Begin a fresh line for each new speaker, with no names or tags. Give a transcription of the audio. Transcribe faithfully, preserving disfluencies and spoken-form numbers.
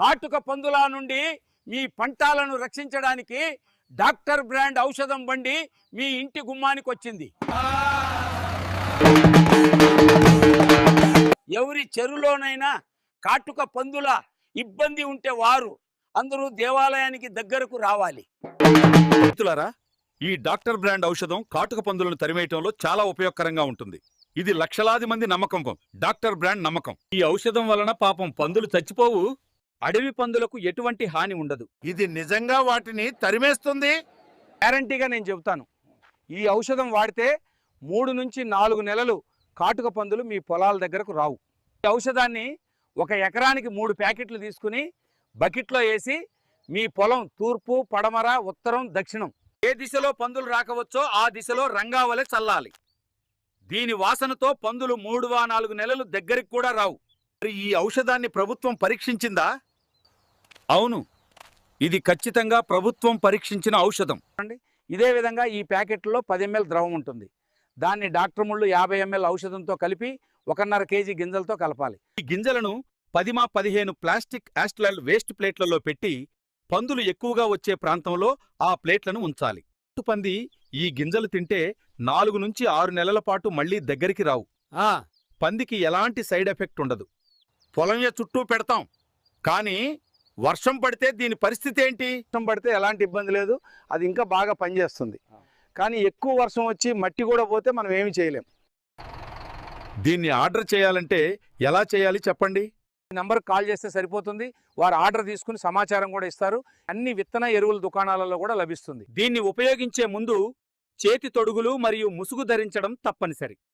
కాటుక పందుల నుండి మీ పంటలను రక్షించడానికి డాక్టర్ బ్రాండ్ ఔషధం బండి మీ ఇంటి గుమ్మానికి వచ్చింది. ఎవరి చెరులోనైనా కాటుక పందుల ఇబ్బంది ఉంటే వారు అందరూ దేవాలయానికి దగ్గరకు రావాలి.
మిత్రులారా, ఈ డాక్టర్ బ్రాండ్ ఔషధం కాటుక పందులను తరిమేయటంలో చాలా ఉపయోగకరంగా ఉంటుంది. ఇది లక్షలాది మంది నమ్మకం. డాక్టర్ బ్రాండ్ నమ్మకం. ఈ ఔషధం వలన పాపం పందులు చచ్చిపోవు. అడవి పందులకు ఎటువంటి హాని ఉండదు.
ఇది నిజంగా వాటిని తరిమేస్తుంది.
గ్యారంటీగా నేను చెబుతాను. ఈ ఔషధం వాడితే మూడు నుంచి నాలుగు నెలలు కాటుక పందులు మీ పొలాల దగ్గరకు రావు. ఈ ఔషధాన్ని ఒక ఎకరానికి మూడు ప్యాకెట్లు తీసుకుని బకెట్లో వేసి మీ పొలం తూర్పు, పడమర, ఉత్తరం, దక్షిణం ఏ దిశలో పందులు రాకవచ్చో ఆ దిశలో రంగావలె చల్లాలి. దీని వాసనతో పందులు మూడు వా నాలుగు నెలలు దగ్గరికి కూడా రావు.
మరి ఈ ఔషధాన్ని ప్రభుత్వం పరీక్షించిందా? అవును, ఇది ఖచ్చితంగా ప్రభుత్వం పరీక్షించిన ఔషధం.
ఇదే విధంగా ఈ ప్యాకెట్లో పది ఎంఎల్ ద్రవం ఉంటుంది. దాన్ని డాక్టర్ ముళ్ళు యాభై ఎంఎల్ ఔషధంతో కలిపి ఒకన్నర కేజీ గింజలతో కలపాలి.
ఈ గింజలను పదిమా పదిహేను ప్లాస్టిక్ యాస్ట్రల్ వేస్ట్ ప్లేట్లలో పెట్టి పందులు ఎక్కువగా వచ్చే ప్రాంతంలో ఆ ప్లేట్లను ఉంచాలి. పంది ఈ గింజలు తింటే నాలుగు నుంచి ఆరు నెలల పాటు మళ్లీ దగ్గరికి రావు.
ఆ
పందికి ఎలాంటి సైడ్ ఎఫెక్ట్ ఉండదు.
పొలం చుట్టూ పెడతాం, కానీ వర్షం పడితే దీని పరిస్థితి ఏంటి?
వర్షం పడితే ఎలాంటి ఇబ్బంది లేదు, అది ఇంకా బాగా పనిచేస్తుంది. కానీ ఎక్కువ వర్షం వచ్చి మట్టి కూడా పోతే మనం ఏమి చేయలేం.
దీన్ని ఆర్డర్ చేయాలంటే ఎలా చేయాలి చెప్పండి?
ఈ నంబర్ కాల్ చేస్తే సరిపోతుంది. వారు ఆర్డర్ తీసుకుని సమాచారం కూడా ఇస్తారు. అన్ని విత్తన ఎరువుల దుకాణాలలో కూడా లభిస్తుంది.
దీన్ని ఉపయోగించే ముందు చేతి తొడుగులు మరియు ముసుగు ధరించడం తప్పనిసరి.